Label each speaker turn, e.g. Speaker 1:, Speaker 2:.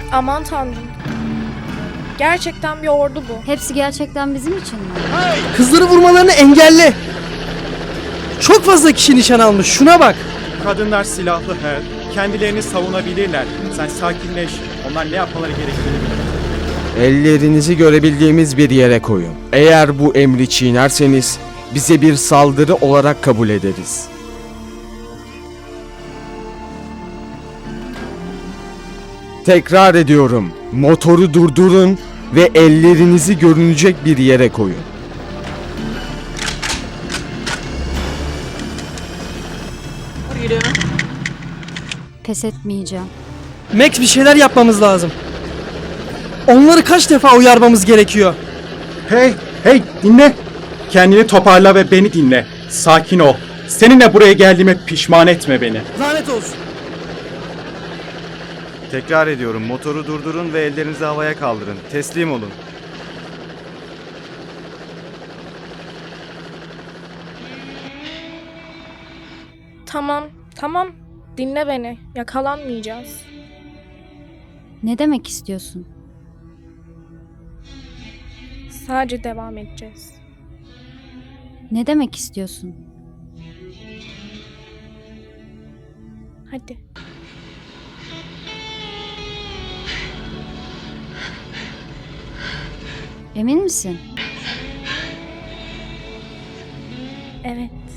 Speaker 1: Aman tanrım. Gerçekten bir ordu bu.
Speaker 2: Hepsi gerçekten bizim için mi?
Speaker 3: Kızları vurmalarını engelle. Çok fazla kişi nişan almış. Şuna bak.
Speaker 4: Kadınlar silahlı her. Kendilerini savunabilirler. Sen sakinleş. Onlar ne yapmaları gerektiğini bilir.
Speaker 5: Ellerinizi görebildiğimiz bir yere koyun. Eğer bu emri çiğnerseniz bize bir saldırı olarak kabul ederiz. Tekrar ediyorum. Motoru durdurun ve ellerinizi görünecek bir yere koyun.
Speaker 2: Pes etmeyeceğim.
Speaker 3: Max, bir şeyler yapmamız lazım. Onları kaç defa uyarmamız gerekiyor?
Speaker 4: Hey dinle. Kendini toparla ve beni dinle. Sakin ol. Seninle buraya geldiğime pişman etme beni.
Speaker 3: Lanet olsun.
Speaker 6: Tekrar ediyorum, motoru durdurun ve ellerinizi havaya kaldırın. Teslim olun.
Speaker 1: Tamam. Dinle beni. Yakalanmayacağız.
Speaker 2: Ne demek istiyorsun?
Speaker 1: Sadece devam edeceğiz.
Speaker 2: Ne demek istiyorsun?
Speaker 1: Hadi.
Speaker 2: Emin misin?
Speaker 1: Evet.